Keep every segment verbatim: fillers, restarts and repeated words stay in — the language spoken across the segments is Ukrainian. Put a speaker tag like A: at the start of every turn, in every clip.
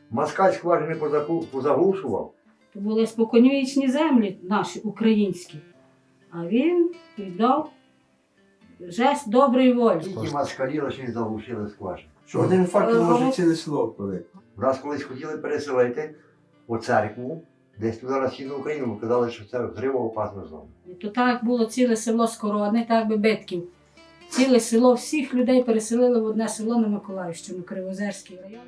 A: Москаль скважини позаку- позаглушував.
B: То були споконвічні землі наші, українські. А він віддав жест доброї волі.
A: Тільки москалі лише заглушили скважину.
C: Що один факел може ціле село коли.
A: Нас колись хотіли переселити у церкву, десь туди на східну Україну, бо казали, що це взривоопасна зона.
B: І то так було ціле село Скородне, так би Битків. Ціле село, всіх людей переселили в одне село на Миколаївщину, Кривозерський район.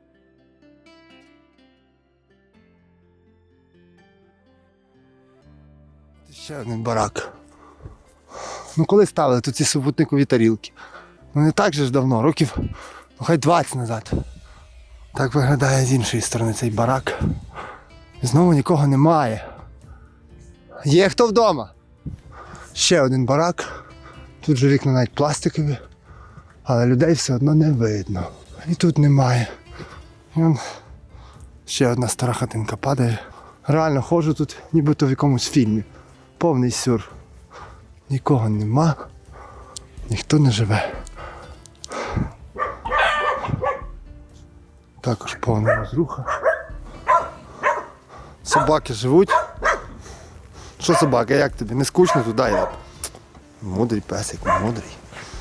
D: Ще один барак. Ну коли ставили тут ці супутникові тарілки? Ну не так же ж давно, років, ну хай двадцять назад. Так виглядає з іншої сторони цей барак. І знову нікого немає. Є хто вдома? Ще один барак. Тут же вікна навіть пластикові, але людей все одно не видно. І тут немає. І он ще одна стара хатинка падає. Реально ходжу тут, нібито в якомусь фільмі. Повний сюр. Нікого нема, ніхто не живе. Також повна розруха. Собаки живуть. Що собака, як тобі? Не скучно туди? Я... Мудрий песик, мудрий.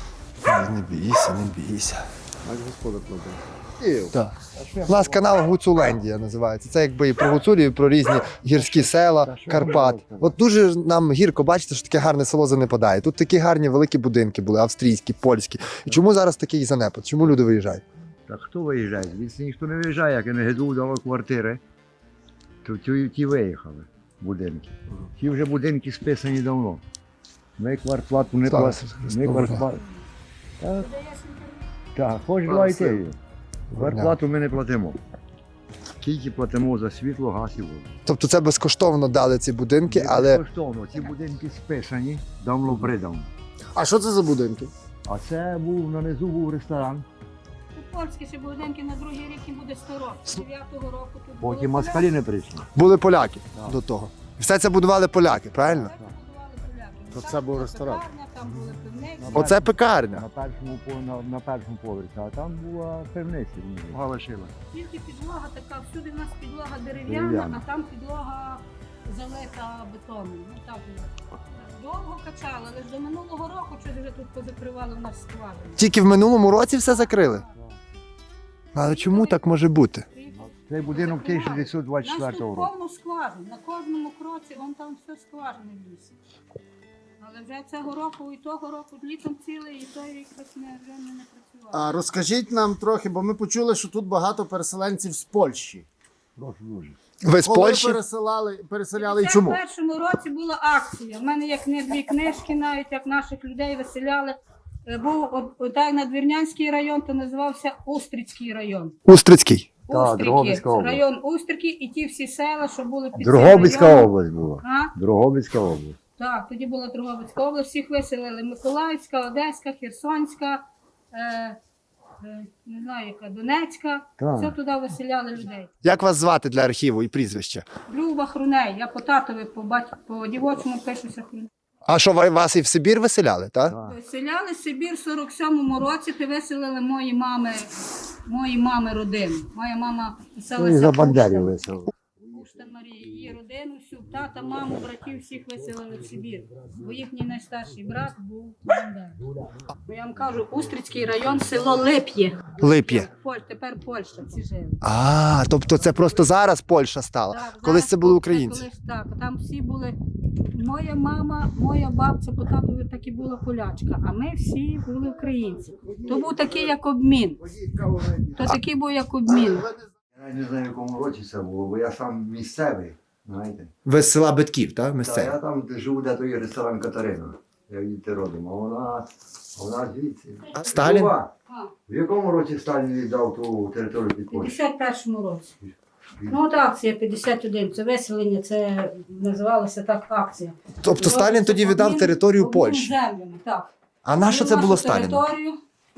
D: Не бійся, не бійся.
C: Аж господар кладе.
D: Так. У нас канал Гуцулендія називається. Це якби і про Гуцулію, і про різні гірські села, Карпат. От дуже нам гірко бачите, що таке гарне село занепадає. Тут такі гарні великі будинки були, австрійські, польські. І чому зараз такий занепад? Чому люди виїжджають?
A: Та хто виїжджає? Звідси ніхто не виїжджає, як не ГДУ дало квартири, то ті, ті виїхали, будинки. Ті вже будинки списані давно. Ми квартплату не
D: Слава
A: платимо.
D: Ісусу Христу,
A: Ми
D: Боже.
A: квартплату. Так, так, хоч два йти. Квартплату ми не платимо. Тільки платимо за світло, газ і воду.
D: Тобто це безкоштовно дали ці будинки, але...
A: Безкоштовно. Ці будинки списані, давно придавно.
D: А що це за будинки?
A: А це був, нанизу був ресторан.
B: Тут польські ще будинки на другий рік їм буде сто років. З дев'ятого року тут було
A: Потім москалі не прийшли.
D: Були поляки
A: Так.
D: до того. І все це будували поляки, правильно?
B: То
D: це був ресторан.
B: Там були пивниці.
D: Оце пекарня.
A: На першому, по- на, на першому поверсі, а там була пивниця. Галашила.
B: Тільки підлога така, всюди в нас підлога дерев'яна,
A: Дерев'яна.
B: а там підлога залита бетоном. Ну так було. Довго качали, але ж до минулого року щось вже тут позакривали в нас скважини.
D: Тільки в минулому році все закрили. Але чому так може бути?
A: Цей будинок тисяча дев'ятсот двадцять
B: У нас
A: четвертого
B: тут
A: року.
B: повно скважин, на кожному кроці, вон там все скважини в лісі. Але вже цього року і того року літом цілий, і той рік щось не, вже не, не працювало.
E: А розкажіть нам трохи, бо ми почули, що тут багато переселенців з Польщі.
A: Прошу дуже.
D: Ви з
E: Коли
D: Польщі?
E: пересилали, переселяли і
B: В
E: чому?
B: першому році була акція. У мене як не дві книжки, навіть як наших людей виселяли. Е, Був от- отак Надвірнянський район, то називався Устрицький район.
D: Устрицький.
A: Так,
B: Устрики,
A: Дрогобицька область.
B: район Устрики і ті всі села, що були під цим
A: Дрогобицька
B: районом.
A: область була.
B: А?
A: Дрогобицька область.
B: Так, тоді була Дрогобицька область, всіх виселили. Миколаївська, Одеська, Херсонська, е, е, не знаю яка, Донецька.
A: Так.
B: Все туди виселяли людей.
D: Як вас звати для архіву і прізвище?
B: Люба Хруней, я по татові, по батьку, по дівочому пишуся Хруней.
D: А що, ви- вас і в Сибір виселяли, так?
A: Так.
B: Виселяли Сибір в сорок сьомому році, ти виселили мої мами, мої мами родину. Моя мама
A: Ну, і
B: писалася
A: за Бандерів
B: Пушта.
A: весело.
B: Пушта Марія, її родину, всю, тата, маму, братів всіх виселили в Сибір. Бо їхній найстарший брат був Бандер. Бо я вам кажу, Устрицький район, село Лип'є.
D: Лип'є.
B: Поль- Тепер Польща, ці жили.
D: А, тобто це просто зараз Польща стала.
B: Так,
D: Колись
B: зараз
D: це були
B: Польща,
D: українці.
B: колись так, там всі були. Моя мама, моя бабця по татові так і була полячка, а ми всі були українці. То був такий як обмін. То такий був як обмін.
A: Я навіть не знаю, в якому році це було, бо я сам місцевий, знаєте.
D: Ви з села Битків, так?
A: Та я там де живу, де той ресторан Катерина. Я діти родом, а вона, а вона звідси.
D: Сталін?
A: Люба,
B: А,
A: в якому році Сталін віддав ту територію під
B: в
A: Польщу?
B: п'ятдесят першому році. Ну от акція п'ятдесят один, це виселення, це називалося так акція.
D: Тобто Сталін тоді віддав
B: Обмін-
D: територію
B: обмін
D: Польщі.
B: землями, так.
D: А на що це
B: Нашу
D: було Сталіну?
B: територію,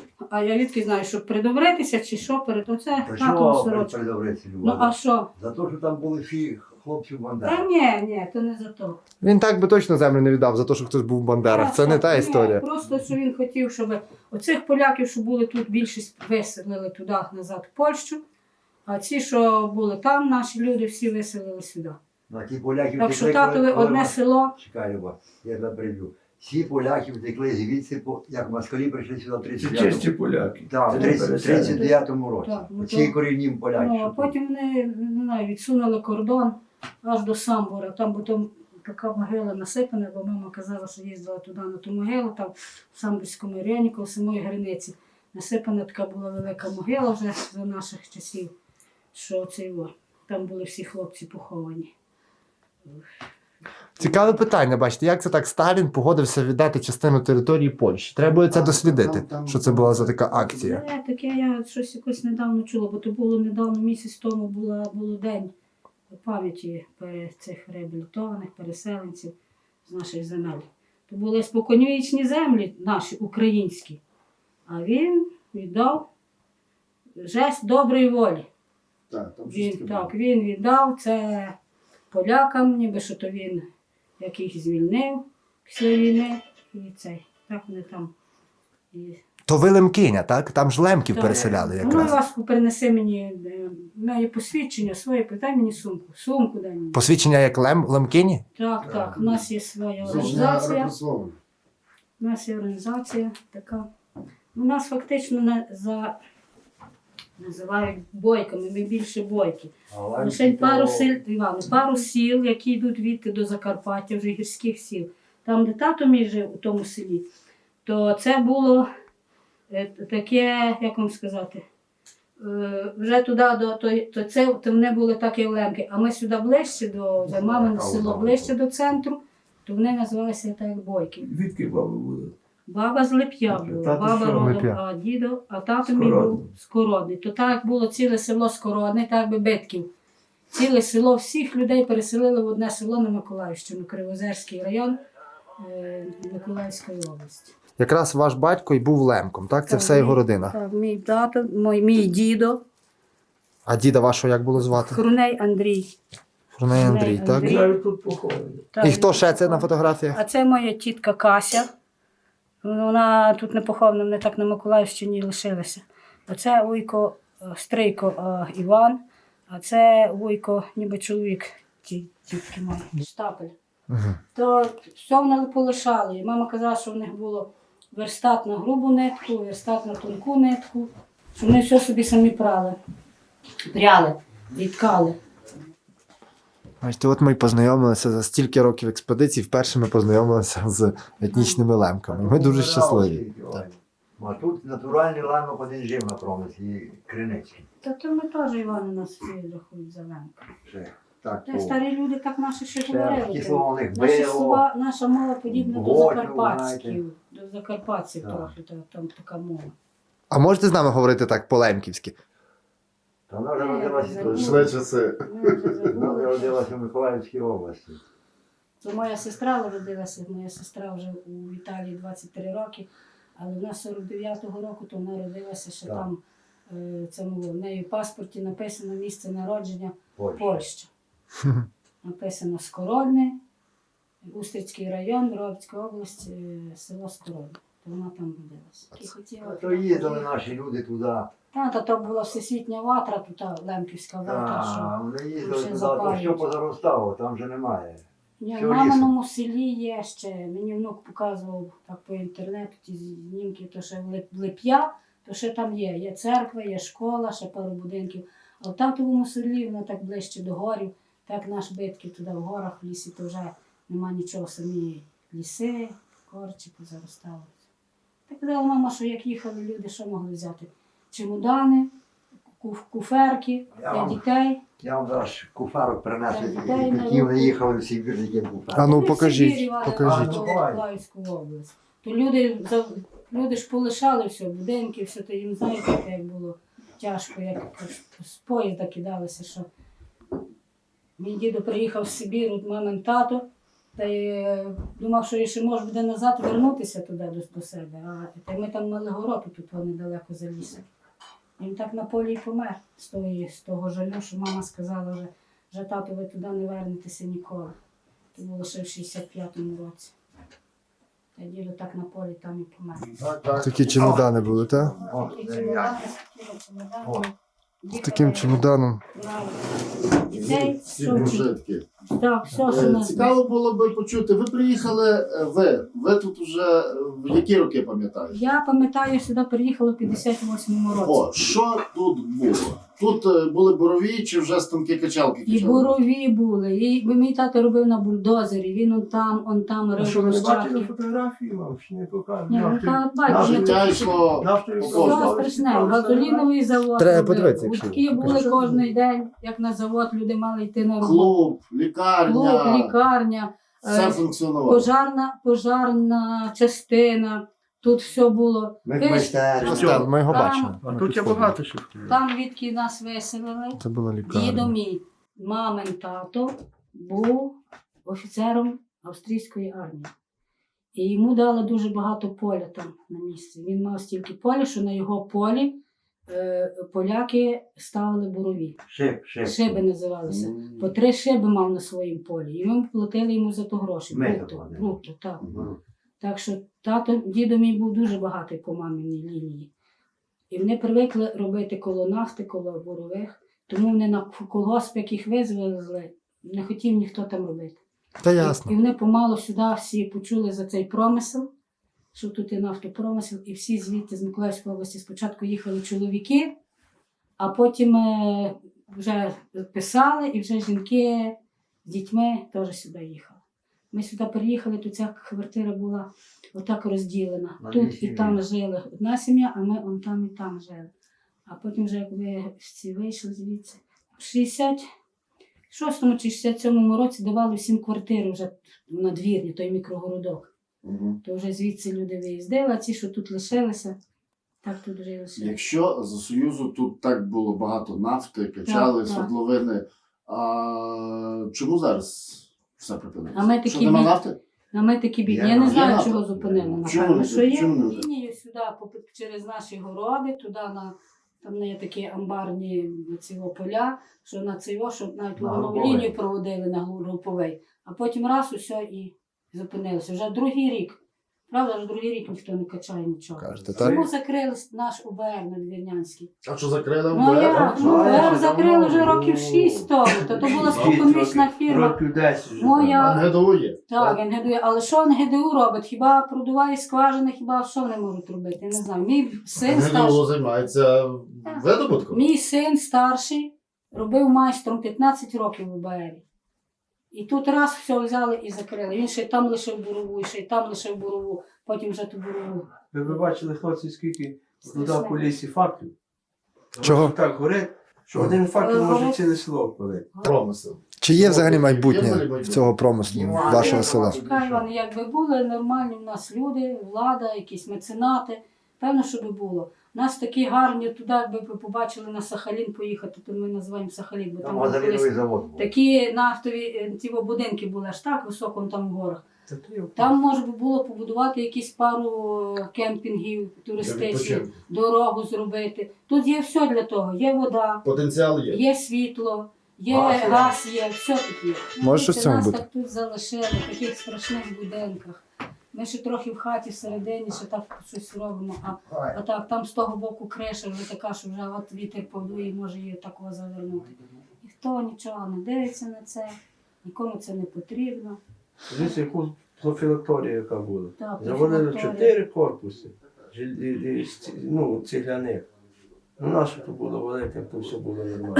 B: а я відки знаю, щоб придобритися чи що, перед оце
A: Та
B: татова
A: що
B: сорочка.
A: передобреться,
B: Ну а
A: Люба?
B: що?
A: За те, що там були всі хлопці в
B: Та
A: Бандерах.
B: ні, ні, то не за то.
D: Він так би точно землю не віддав за те, що хтось був в Бандерах. Це не та
B: Ні,
D: історія.
B: Просто що він хотів, щоб оцих поляків, що були тут, більшість виселили туди назад в Польщу, А ці, що були там, наші люди всі виселили сюди.
A: На ті поляків
B: Так що
A: втекли,
B: татові
A: коли- коли
B: одне
A: мас-
B: село.
A: Чекай, Люба, я тебе приб'ю. Всі поляки втекли звідси, по- як москалі прийшли сюди в
C: Це
A: тридцять
C: чисті
A: дев'ятому.
C: поляки.
A: Так,
C: Це
A: в
C: не
A: тридцять-
C: переселенці.
A: тридцять дев'ятому році.
B: Так, ну
A: Ці
B: то-
A: корінні поляки.
B: Ну, а
A: що тут.
B: потім вони не знаю, відсунули кордон аж до Самбора. Там потім така могила насипана, бо мама казала, що їздила туди на ту могилу, там в Самборському районі, коло самої границі. Насипана така була велика могила вже за наших часів, що це його. Там були всі хлопці поховані.
D: Цікаве питання, бачите, як це так Сталін погодився віддати частину території Польщі? Треба буде це дослідити,
E: Там- там-
D: що це була за така акція.
B: Це таке я щось якось недавно чула, бо то було недавно, місяць тому була, було день пам'яті пере- цих реабілітованих переселенців з наших земель. То були споконвічні землі наші, українські. А він віддав жест доброї волі.
E: Так, там щось
B: Він,
E: таке
B: так,
E: було.
B: він віддав це полякам, ніби що то він яких звільнив після війни. І цей. Так вони там. І...
D: То ви Лемкиня, так? Там ж лемків
B: Так.
D: переселяли
B: Ну,
D: якраз.
B: ласку, принеси мені е, моє посвідчення своє, дай мені сумку. Сумку дай мені.
D: Посвідчення як лем, Лемкині?
B: Так, так, у нас є своя
E: Це ж не
B: організація.
E: репресовано.
B: У нас є організація така. У нас фактично на, за називають бойками, ми більше бойки.
A: А ланці
B: Лише
A: то-
B: пару сіл, Іван, пару сіл, які йдуть відти до Закарпаття, вже гірських сіл. Там, де тато мій жив у тому селі, то це було е, таке, як вам сказати, е, вже туди, до, то, то це то вони були так, як лемки. А ми сюди ближче до за мамине село, ближче до центру, то вони називалися так як бойки.
C: Відки баби були?
B: Баба з Лип'я була,
C: Тато
B: баба
C: що,
B: родом,
D: Лип'я?
B: а дідо, а тато мій
C: Скородний.
B: був Скородний. То так як було ціле село Скородне, так би битків. Ціле село, всіх людей переселили в одне село на Миколаївщину, Кривозерський район е, Миколаївської області.
D: Якраз ваш батько і був лемком, так? Це
B: Так,
D: все
B: мій-
D: його родина.
B: Так, мій тато, мій, мій дідо,
D: А діда вашого як було звати?
B: Хруней Андрій.
D: Хроней Андрій,
B: Хроней
D: так?
B: Андрій.
C: Навіть тут поховані.
B: Так,
D: І хто ще це на фотографіях?
B: А це моя тітка Кася. Вона тут не похована, вони так на Миколаївщині лишилися. Оце вуйко, е, стрийко е, Іван, а це вуйко, ніби чоловік ті- тітки мої, Штапель.
D: Мгм.
B: То все вони полишали. І мама казала, що в них було верстат на грубу нитку, верстат на тонку нитку, що вони все собі самі прали, пряли, відкали.
D: Бачите, от ми й познайомилися за стільки років експедицій, вперше ми познайомилися з етнічними лемками. Ми дуже щасливі.
A: А тут натуральний ламок один жив на промислі, Криницький.
B: Та то ми теж Івани нас всі рахують за лемка.
A: Ще так,
B: Та
A: по-
B: старі люди так наші ще
A: ще
B: говорили.
A: такі
B: тим.
A: слова у них
B: Наші
A: було.
B: слова, наша мова подібна до
A: Готлю,
B: закарпатських, до закарпатців
A: Так.
B: трохи, та- там така мова.
D: А можете з нами говорити так по-лемківськи?
A: Та вона вже
B: Ні,
A: родилася
B: я
A: тут.
B: забула.
E: Йшли часи.
B: Ми вже
A: Вона вже
B: забули.
A: родилася в Миколаївській області.
B: То моя сестра народилася, моя сестра вже у Італії двадцять три роки, але вона з сорок дев'ятого року, то вона родилася ще
A: Так.
B: там, е, цьому, в неї в паспорті написано місце народження
A: Польща.
B: Польща. Написано Скородне, Устрицький район, Робська область, е, село Скородне. То вона там родилася. І хотіла
A: А
B: туди
A: то їздили
B: поїхати.
A: наші люди туди.
B: Та, та то була всесвітня ватра, тут та лемківська ватра, що
A: Та, вони
B: ще
A: їздили туди, то
B: запалюють.
A: що позаростало, там вже немає.
B: Ні,
A: Все
B: в маминому селі є ще. Мені внук показував так по інтернету ті знімки, то ще в Лип- в Лип'я, то ще там є. Є церква, є школа, ще пару будинків. А в татовому селі воно так ближче до горів, так наш битків туди в горах, в лісі, то вже нема нічого, самі ліси, корчі позаростали. Так казала мама, що як їхали люди, що могли взяти? Чемодани, куф- куферки
A: Я
B: для
A: вам-
B: дітей.
A: Я вам зараз куфарок принесу,
B: Так, дай на
A: які вони
B: руку.
A: їхали в Сибір, які куфарок.
D: А ну
B: Вони в
D: покажіть,
B: Сибірі вали
D: покажіть.
B: в Миколаївську область. То люди, за- люди ж полишали все, будинки, все, то їм знаєте, як було тяжко, як з поїзда кидалися, що мій дідо приїхав з Сибіру, от мамин тато, та й е, думав, що ще може буде назад вернутися туди до, до себе. А та й ми там мали город, тут вони далеко за лісом. Він так на полі й помер з, тої, з того жалю, що мама сказала, вже, вже тато, ви туди не вернетеся ніколи. Це було ще в шістдесят п'ятому році. Та дідо так на полі там і помер.
A: Так, так.
D: Такі чемодани були, так?
A: О,
B: Такі
A: де
B: чемодани,
A: я.
B: такі чемодани.
A: О.
D: З таким чемоданом.
B: Дітей, що вчить.
E: Житки.
B: Так, все, що
E: Е,
B: нас.
E: Цікаво було би почути. Ви приїхали, е, ви. Ви тут вже е, в які роки пам'ятаєте?
B: Я пам'ятаю, сюди приїхала в п'ятдесят восьмому році.
E: О, що тут було? Тут е, були борові чи вже станки качалки
B: І
E: качали?
B: борові були, і бо мій тато робив на бульдозері, він он там, он там
C: А що ви
B: рив
C: не бачили
B: лищатки.
C: фотографії, вам чи не покажуть?
B: Ні, ну та бачиш,
E: Життя
B: не
E: йшло.
C: Нафтою
B: все
E: Кожного.
B: страшне. Газоліновий завод.
D: Треба
B: робив.
D: подивитися, якщо
B: Гудки
D: ви
B: були
D: покажете.
B: кожен день, як на завод, люди мали йти на роботу.
E: Клуб, лікарня,
B: Клуб, лікарня,
E: все
B: е,
E: функціонувало.
B: пожарна, пожарна частина. Тут все було. Пиш-
D: Остап, ми його
B: Там-
D: бачили.
C: А тут є багато що.
B: Там, відки нас виселили,
D: Це була
B: дідо
D: лікарня.
B: мій, мамин тато, був офіцером австрійської армії. І йому дали дуже багато поля там на місці. Він мав стільки поля, що на його полі е, поляки ставили бурові.
A: Шип, шип.
B: Шиби називалися. По три шиби мав на своїм полі. І ми платили йому за то гроші.
A: Ми
B: Бруто,
A: заплатили.
B: бруто, так. Так що тато, дідо мій був дуже багатий по маминій лінії. І вони привикли робити коло нафти, коло бурових. Тому вони на колгосп, як їх визвезли, не хотів ніхто там робити.
D: Та
B: І,
D: ясно.
B: і вони помалу сюди всі почули за цей промисел, що тут є нафтопромисел, і всі звідти з Миколаївської області спочатку їхали чоловіки, а потім е, вже писали, і вже жінки з дітьми теж сюди їхали. Ми сюди приїхали, то ця квартира була отак розділена.
A: На дві
B: Тут і
A: сім'ї.
B: там жили одна сім'я, а ми он там і там жили. А потім вже як ви всі вийшли звідси. В шістдесят шостому чи шістдесят сьомому році давали всім квартири вже в надвірні, той мікрогородок.
E: Мгм.
B: То вже звідси люди виїздили, а ці, що тут лишилися, так тут вже і лишилися.
E: Якщо за Союзу тут так було багато нафти, качали,
B: Так, так.
E: свердловини, а чому зараз все припинилося?
B: А ми такі
E: Що, нема
B: бід-
E: нафти?
B: А ми такі бідні.
A: Є
B: Я не
A: нафта.
B: знаю,
E: Є
B: чого
E: нафта?
B: зупинили.
E: Чому
B: Напевно,
E: не-
B: що є
E: чому не-
B: лінію сюди по- через наші городи, туди на там є такі амбарні ці поля, що на цього, щоб навіть
A: На
B: воно
A: груповий.
B: лінію проводили на груповий. А потім раз усе і зупинилося. Вже другий рік. Правда, вже другий рік ніхто не качає нічого.
D: Кажете, так?
B: Тому закрили наш УБР надвірнянський.
E: А що закрили?
B: Ну
E: МВР?
B: як? Ну, УБР закрили вже років шість тому. Та то була споконвічна фірма.
C: Років десять вже.
B: Моя-
E: НГДУ є.
B: Так, НГДУ. Але що НГДУ робить? Хіба продуває скважини, хіба що вони можуть робити? Я не знаю. Мій син
E: НГДУ
B: старший,
E: займається видобутком.
B: мій син старший робив майстром п'ятнадцять років в УБРі. І тут раз все взяли і закрили. Він ще й там лишив бурову, і ще й там лишив бурову, потім вже ту бурову.
C: Ви б бачили, хлопці, скільки туди
B: Страшне.
C: по лісі фактів.
D: Чого?
C: Воно Так горить, що один факел
B: Е,
C: може
B: горить.
C: ціле село палити.
E: Промисел.
D: Чи є взагалі
E: Є
D: майбутнє
E: майбутнє.
D: в цього промислу вашого села?
B: Чекай, Іван, якби були нормальні в нас люди, влада, якісь меценати, певно, що би було. Нас такі гарні туди, якби ви побачили на Сахалін поїхати, то ми називаємо Сахалін, бо
A: Там
B: там були
A: газоліновий
B: колись
A: завод був.
B: такі нафтові е, ті будинки були аж так високо там в горах.
C: Та то є
B: Там можна би було побудувати якісь пару кемпінгів туристичних,
E: відпочинку.
B: дорогу зробити. Тут є все для того. Є вода,
E: Потенціал є.
B: є світло, є
E: Газ є.
B: газ, є, все тут є.
D: Може, щось в цьому
B: нас
D: бути?
B: так тут залишили, в таких страшних будинках. Ми ще трохи в хаті всередині, ще так щось робимо. А, а так, там з того боку криша вже така, що вже от вітер подує, може її такого завернути. Ніхто нічого не дивиться на це, нікому це не потрібно.
C: Дивіться, яку профілакторію, яка була.
B: Так,
C: Завалили
B: профілакторія.
C: чотири корпуси, жил- і- і ці- ну, цегляних. Ну, наше то було велике, як то все було нормально.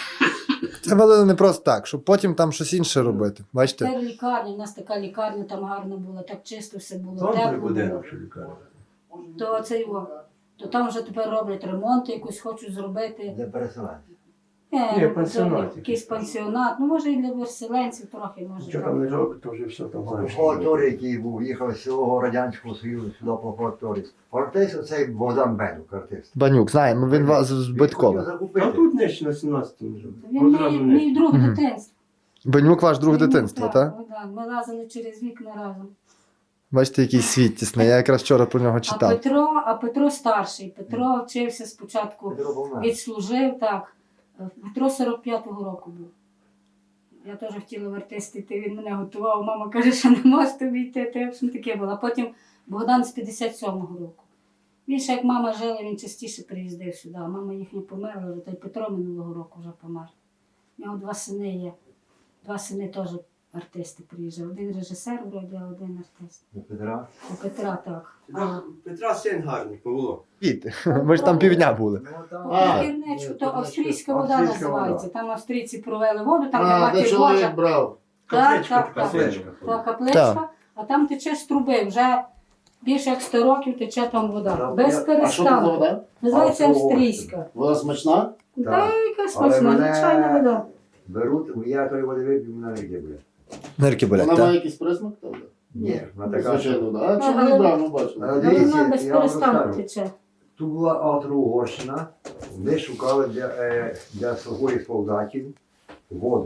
D: Це валили не просто так, щоб потім там щось інше робити. Бачите?
B: Тепер лікарня, у нас така лікарня там гарна була, так чисто все було,
C: Там три
B: тепло було.
C: будинок, що лікарня.
B: То це його. То там вже тепер роблять ремонт, якусь хочуть зробити.
A: Для переселенців.
B: Е,
C: Ні,
B: ну,
C: пансіонат
B: це якийсь пансіонат. Ну, може, і для переселенців трохи, може.
C: Що
B: так.
C: там не робить, то вже все там знаєш.
A: Факторій, який був, їхав з цілого Радянського Союзу сюди по факторії. Артист оцей Богдан Бенук, артист.
D: Банюк, знаємо, він вас з
A: Він
D: Биткова.
A: хотів закупити.
C: А тут нижче на сімнадцятому вже.
B: Він
C: Одразу
B: мій, мій
C: нижче.
B: друг
D: Мгм.
B: дитинства.
D: Банюк ваш друг
B: Він-
D: дитинства, так?
B: ну, да, Ми лазили через вікна разом.
D: Бачите, який світ тісний. Я якраз вчора про нього
B: А
D: читав.
B: Петро, а Петро старший. Петро вчився спочатку,
A: Петро Богдан.
B: відслужив, так. Петро сорок п'ятого року був. Я теж хотіла в артист йти, він мене готував. Мама каже, що не можеш тобі йти, то я б таке було. А потім Богдан з п'ятдесят сьомого року. Він ще як мама жила, він частіше приїздив сюди. А мама їхня померла, вже, та й Петро минулого року вже помер. У нього два сини є. Два сини теж артисти приїжджали. Один режисер вроді, а один артист.
A: У Петра.
B: У Петра так. А,
C: Петра син гарний, Павло.
D: Піти. Ми ж там півдня були.
A: Ну, там,
E: А,
B: Кірничку,
A: ні,
B: то
A: то
B: австрійська
A: значить,
B: вода
A: австрійська
B: називається.
A: вода.
B: Там австрійці провели воду, там
E: А,
B: нема
E: де
B: ті
E: чоловік
B: Божа.
E: брав.
B: Так,
C: Капличка
B: так,
C: така
B: так.
C: капличка.
B: Та капличка,
D: Так.
B: а там тече з труби, вже більше як сто років тече там вода.
A: Так,
B: Без
A: я-
E: А що це за
B: перестанку.
E: вода?
B: Називається
A: А, цього
B: австрійська.
E: Вода смачна?
B: Та яка
A: Але
B: смачна,
A: мене-
B: звичайна вода.
A: Беруть, я тої води вип'ю, мене не буде.
D: Нирки болять,
E: Вона має
D: так?
E: якийсь присмак? та вода?
A: Ні, вона така.
E: Звичайно,
A: що-
E: вода. А
B: Ну,
E: чоловік
B: але-
E: брав, ми бачили.
A: Але
B: Але
A: дивіться,
B: вона без
A: я вам
B: перестанку
A: розкажу.
B: тече.
A: Тут була Австро-Угорщина, вони шукали для, е, для своїх солдатів воду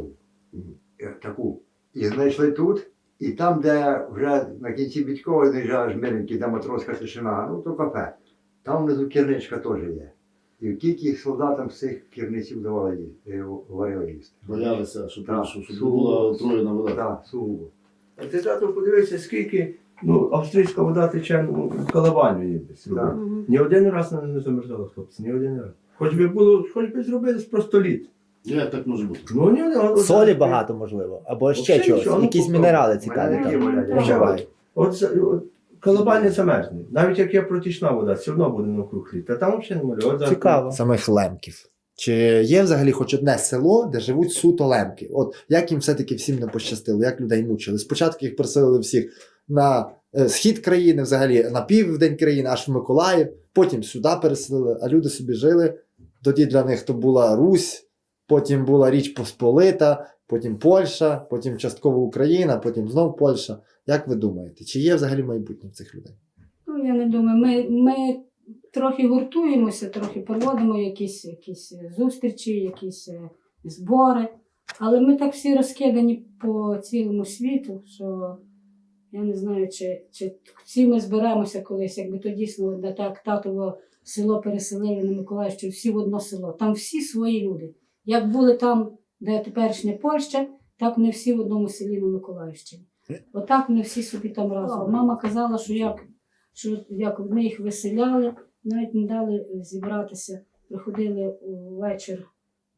A: е, таку. І знайшли тут, і там, де вже на кінці Бідькова доїжджаєш миленький, де матроська тишина, ну то кафе. Там внизу керничка теж є. І тільки солдатам з цих керниців давали їсти, е, варили їсти.
E: Боялися, щоб,
A: Так,
E: щоб, щоб
A: сугубо.
E: була отруєна вода.
A: Так, сугубо.
C: А ти тато подивися, скільки ну, австрійська вода тече ну, в Калабаню є десь.
A: Так.
B: Мгм.
C: Ні один раз вона не замерзала, хлопці, ні один раз. Хоч би було, хоч би зробили просто лід.
E: Як так може бути?
C: Ну, ні, ні,
F: Солі багато, можливо, або ще
C: Взагалі
F: чогось.
C: нічого, ну,
F: Якісь
C: попробуй.
F: мінерали цікаві
A: Мене такі
F: там.
A: болять, я
B: Так.
F: вживають.
C: От, за- от Калабань не замерзне. Навіть як є протічна вода, все одно буде навкруг лід. Та там взагалі не може. От зараз-
F: Цікаво.
D: Самих лемків. Чи є взагалі хоч одне село, де живуть суто лемки? От як їм все-таки всім не пощастило, як людей мучили? Спочатку їх переселили всіх на е, схід країни, взагалі на південь країни, аж в Миколаїв, потім сюди переселили, а люди собі жили. Тоді для них то була Русь, потім була Річ Посполита, потім Польща, потім частково Україна, потім знов Польща. Як ви думаєте, чи є взагалі майбутнє в цих людей?
B: Ну, я не думаю, ми, ми трохи гуртуємося, трохи проводимо якісь, якісь зустрічі, якісь е, збори, але ми так всі розкидані по цілому світу, що я не знаю, чи, чи всі ми зберемося колись, якби то дійсно де так татово село переселили на Миколаївщину, всі в одно село. Там всі свої люди. Як були там, де теперішня Польща, так вони всі в одному селі на Миколаївщині. Отак вони всі собі там разом. Мама казала, що як, що як ми їх виселяли, навіть не дали зібратися. Приходили увечір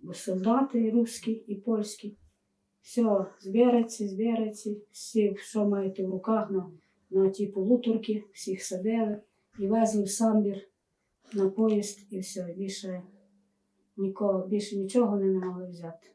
B: солдати русські і польські. Все, збереться, збереться, всі, що маєте в руках на, на ті полуторки, всіх садили і везли в Самбір на поїзд і все. Більше, нікого, більше нічого вони не могли взяти.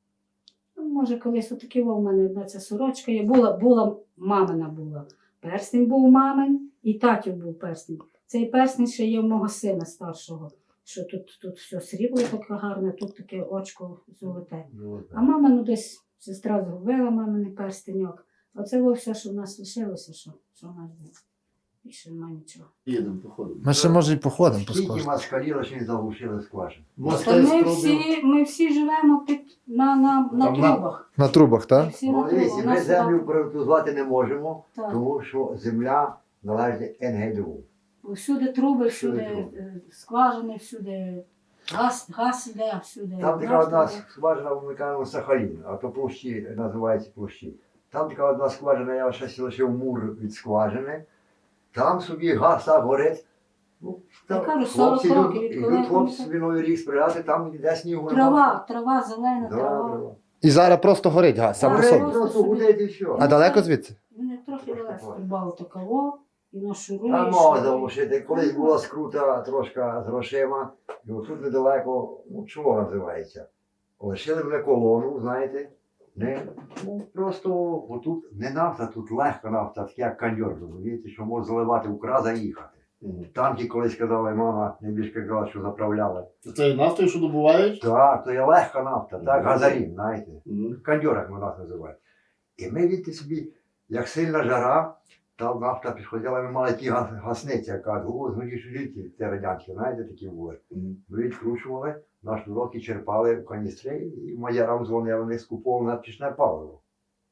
B: Ну, може, колись отакі у мене одна ця сорочка є. Була, була, мамина була. Перстень був мамин і татів був перстень. Цей перстень ще є в мого сина старшого, що тут, тут все срібло таке гарне, тут таке очко золоте.
A: Ну,
B: А мама, ну десь сестра згубила маминий перстеньок. Оце було все, що в нас лишилося, що, що в нас було. Більше немає нічого.
E: Їдемо, походимо.
D: Ми ще може і походимо по
A: Скільки
D: складу.
A: москалі лише не заглушили скважин.
B: То
E: Москаль
B: ми
E: спробував.
B: всі, ми всі живемо під, на, на, на
A: Там на-
B: трубах.
D: На трубах,
B: Ми
D: так?
B: всі на
A: Ну, дивіться,
B: трубах. У
A: ми
B: нас
A: землю
B: туди-
A: приватизувати не можемо,
B: так.
A: тому що земля належить ен ге де у.
B: Всюди труби, всюди
A: Всюди труби.
B: е, скважини, всюди газ, газ іде, всюди.
A: Там така
B: нафта
A: одна
B: йде.
A: скважина, ми кажемо Сахалін, а то площі називається площі. Там така одна скважина, я ще лишив мур від скважини. Там собі газ так горить. Ну,
B: Я
A: там
B: кажу, сорок
A: хлопці
B: років
A: йдуть,
B: відколи
A: йдуть хлопці
B: там-
A: собі новий рік сприяти, там йде снігу.
B: Трава, трава, зелена
A: Да,
B: трава.
A: трава.
D: І зараз просто горить газ, сам по
B: Горить.
D: собі.
A: Просто просто гудить і все.
D: А далеко звідси?
B: Вони трохи далеко стрибав такого, і нашуруєш.
A: Там мова залишити. Колись була скрута трошки з грошима, і отут недалеко, ну чого називається? Лишили мене колону, знаєте. Не, ну, просто отут не нафта, тут легка нафта, таке як каньор, розумієте, що можна заливати в кран, заїхати.
E: Мгм.
A: Танки колись казали, мама найбільше казала, що заправляли.
E: Це нафтою, що добувають?
A: Так, то є легка нафта, так, газарін, знаєте.
E: Мгм.
A: Кандьор, як ми нас називають. І ми відти собі, як сильна жара, там нафта підходила, ми мали ті гас- гасниці, яка було згорівші жінки, це радянські, знаєте, такі були.
E: Мгм.
A: Ми відкручували, наш уроки черпали в каністри, і майорам дзвонили, вони скуповували на пічне паливо.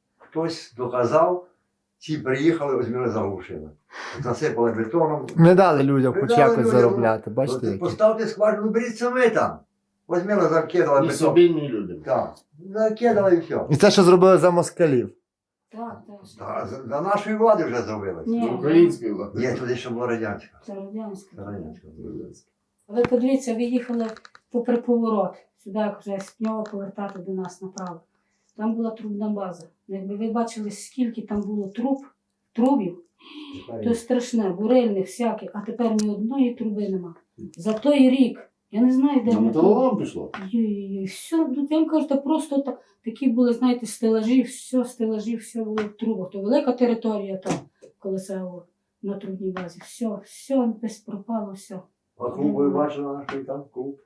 A: Хтось доказав, ці приїхали, ось ми заглушили. Засипали бетоном.
D: Не дали людям хоч
A: Придали
D: якось
A: людям,
D: заробляти, бачите?
A: От
D: які?
A: Поставте скважину, беріть самі там. Ось ми закидали
E: І
A: бетон.
E: собі, ні людям.
A: Так, закидали і все.
D: І це що зробили за москалів.
B: Так, так.
A: Та, за, за нашої влади вже зробилось.
B: Ні.
E: Української влади.
A: Ні, туди ще була радянська.
B: Це радянська.
A: Це радянська.
B: Ви подивіться, ви їхали попри поворот, сюди як вже з Пньова повертати до нас направо. Там була трубна база. Якби ви бачили, скільки там було труб, трубів, то страшне, бурильних всяких, а тепер ні одної труби нема. За той рік, я не знаю, де
E: На
B: ми.
E: металолом пішло?
B: Ой-ой-ой, все, ну, я вам кажу, то просто та, такі були, знаєте, стелажі, все, стелажі, все було в трубах. То велика територія там, колесово, на трубній базі. Все, все, десь пропало, все.
A: А клуб ви бачили наш той там клуб?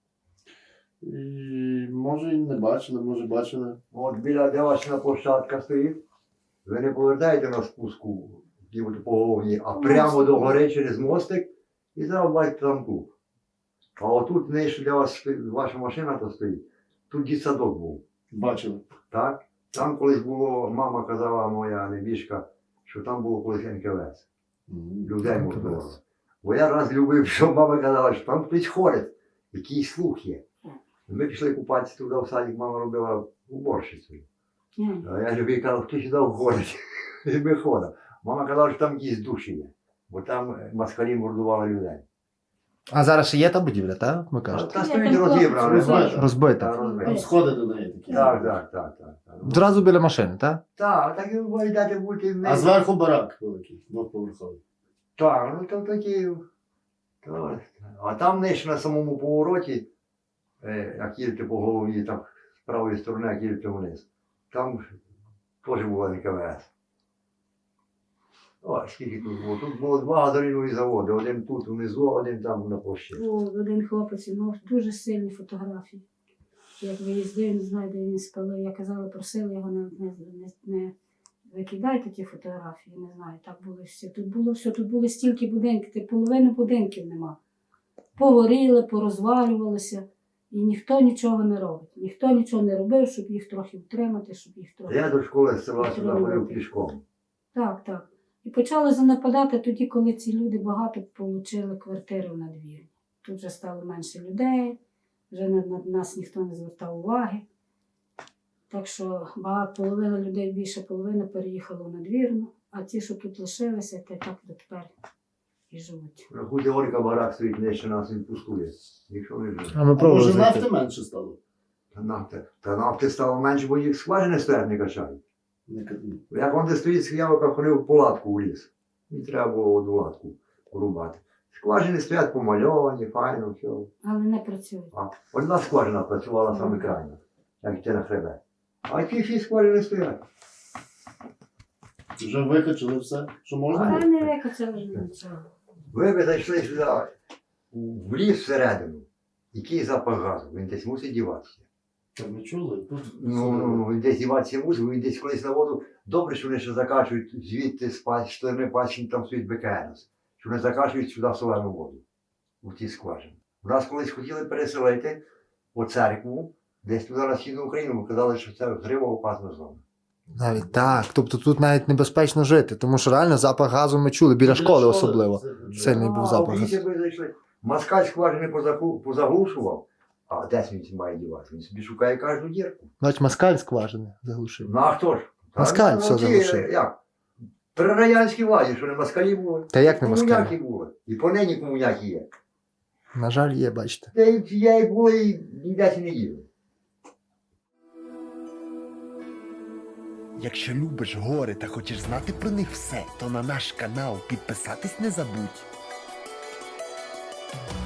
E: І, може і не бачили, може бачили.
A: От біля де ваша площадка стоїть, ви не повертаєте на спуску ніби по головні, а прямо до гори через мостик і зараз бачите там клуб. А отут нижче, де вас стоїть- ваша машина то стоїть, тут дитсадок був.
E: Бачили.
A: Так? Там колись було, мама казала моя небіжка, що там було колись ен ка ве ес.
E: Мгм.
A: Людей мордувало. Бо я раз любив, що мама казала, що там хтось ходить, якийсь слух є. Ми пішли купатися туди в садик, мама робила уборщицею.
B: Ні.
A: А я любив, казав, хто сюди входить. І ми ходимо. Мама казала, що там якісь душі є. Бо там москалі мордували людей.
F: А зараз ще є та будівля, так? Ми кажете?
A: Та
B: Ні,
A: стоїть
B: там
A: розібрана.
E: розбита.
F: Розбита.
A: Та, розбита.
E: Там сходи до неї такі.
A: Так, так, так, так. так.
F: Одразу біля машини, так?
A: Так, так і ви йдете бути в
E: А зверху барак великий, двохповерховий.
A: Так, ну то такі. То, а там нижче на самому повороті, е, як їдете по голові, там з правої сторони, як їдете вниз, там теж була ен ка ве ес. О, скільки тут було? Тут було два газорінові заводи, один тут внизу, один там на площі.
B: Був один хлопець, він мав дуже сильні фотографії. Як виїздив, не знаю, де він спалив. Я казала, просила його не, не, не, не викидайте ті фотографії, не знаю, так було все. Тут було все, тут були стільки будинків, ти половини будинків нема. Погоріли, порозвалювалися, і ніхто нічого не робить. Ніхто нічого не робив, щоб їх трохи втримати, щоб їх трохи.
A: Я до школи з села сюди ходив пішком.
B: Так, так. І почали занепадати тоді, коли ці люди багато отримали квартири в надвірні. Тут вже стало менше людей, вже на, на нас ніхто не звертав уваги. Так що багато, половина людей, більше половини переїхало в надвірну, а ті, що тут лишилися, та й так дотепер і живуть.
A: Рахуйте, Олька барак стоїть нижче нас, він пускує. Ніхто не живе.
F: А ми
E: А може
F: пробували
E: нафти
F: зайти.
E: менше стало?
A: Та нафти, та нафти стало менше, бо їх скважини стоять не качають.
E: Не ка-
A: Як он де стоїть схиявка, ходив в палатку у ліс. І треба було одну латку порубати. Скважини стоять помальовані, файно, все.
B: Але не працюють.
A: А одна скважина працювала саме крайня, як йти на хребет. А ті всі скважини стоять.
E: Вже викачали все, що можна
B: Та
E: було?
B: не викачали нічого.
A: Ви б зайшли сюди, в ліс всередину. Який запах газу? Він десь мусить діватися.
E: Так ми чули. Тут
A: Ну, ну, ну, він десь діватися мусить, він десь колись на воду. Добре, що вони ще закачують звідти з пас- з сторони пасічні, там стоїть Бе Ка Ен Ес. Що вони закачують сюди солену воду. У ті скважини. У нас колись хотіли переселити по церкву, десь туди на Східну Україну, бо казали, що це грива опасна зона.
F: Навіть так. Тобто тут навіть небезпечно жити, тому що реально запах газу ми чули, біля школи особливо.
E: Це-
F: Сильний був
A: А,
F: запах.
A: в лісі ви зайшли. Москаль скважини позаглу- позаглушував, а десь він має дівати? Він собі шукає кожну дірку.
F: Бач, москаль скважини заглушив.
A: Ну а хто ж? Та,
F: Москаль
A: ну,
F: все
A: ті,
F: заглушив.
A: Як? При радянській владі, що не москалі були.
F: Та як не
A: Комуняки
F: москаль?
A: були. І понині комуняки є.
F: На жаль, є, бачите.
A: Та й я і були, і ніде не їли.
G: Якщо любиш гори та хочеш знати про них все, то на наш канал підписатись не забудь.